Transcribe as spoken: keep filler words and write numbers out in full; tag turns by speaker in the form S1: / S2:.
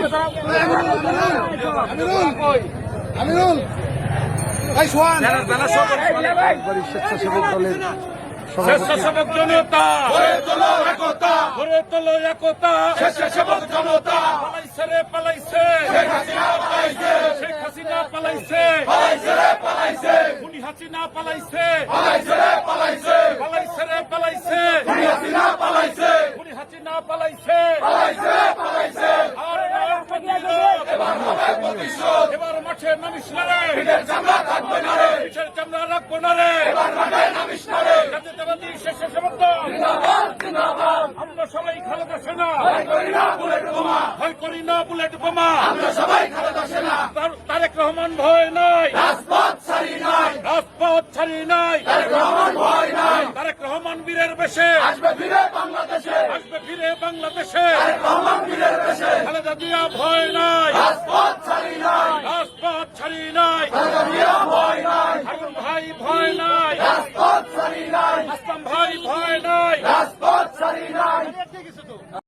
S1: আমিরুল ভাই সোহান
S2: স্বেচ্ছাসেবক দলের
S3: স্বেচ্ছাসেবক জনতা
S1: গড়ে তোলো একতা,
S3: গড়ে তোলো একতা
S1: স্বেচ্ছাসেবক জনতা
S3: পালাইছে রে পালাইছে
S1: শেখ হাসিনা পালাইছে,
S3: শেখ হাসিনা পালাইছে
S1: পালাইছে রে পালাইছে,
S3: খুনি হাসিনা পালাইছে
S1: পালাইছে রে পালাইছে,
S3: পালাইছে রে পালাইছে
S1: খুনি হাসিনা পালাইছে,
S3: খুনি হাসিনা পালাইছে
S1: পালাইছে রে পালাইছে,
S3: আর নয় প্রতিরোধ।
S1: এবার হবে প্রতিশোধ,
S3: এবার মাঠে নামিস না রে
S1: পিঠের চামড়া থাকবে না রে,
S3: পিঠের চামড়া রাখবো না রে
S1: এবার মাঠে নামিস না রে,
S3: জাতীয়তাবাদী স্বেচ্ছাসেবক দল
S1: জিন্দাবাদ জিন্দাবাদ,
S3: আমরা সবাই খালেদা সেনা
S1: ভয় করি না বুলেট বোমা,
S3: ভয় করি না বুলেট বোমা
S1: আমরা সবাই খালেদা সেনা,
S3: তার- তারেক রহমান ভয় নাই
S1: রাজপথ ছাড়ি নাই,
S3: রাজপথ ছাড়ি নাই
S1: তারেক রহমান ভয় নাই,
S3: তারেক রহমান বীরের বেশে
S1: আসবে ফিরে বাংলাদেশে,
S3: আসবে ফিরে বাংলাদেশে
S1: তারেক রহমান বীরের দেশে,
S3: খালেদা জিয়া ভয় নাই
S1: রাজপথ ছাড়ি নাই,
S3: রাজপথ ছাড়ি নাই
S1: খালেদা জিয়া ভয় নাই,
S3: হারুন ভাই ভয় নাই
S1: রাজপথ ছাড়ি নাই,
S3: আসলাম ভাই ভয় নাই
S1: রাজপথ ছাড়ি নাই।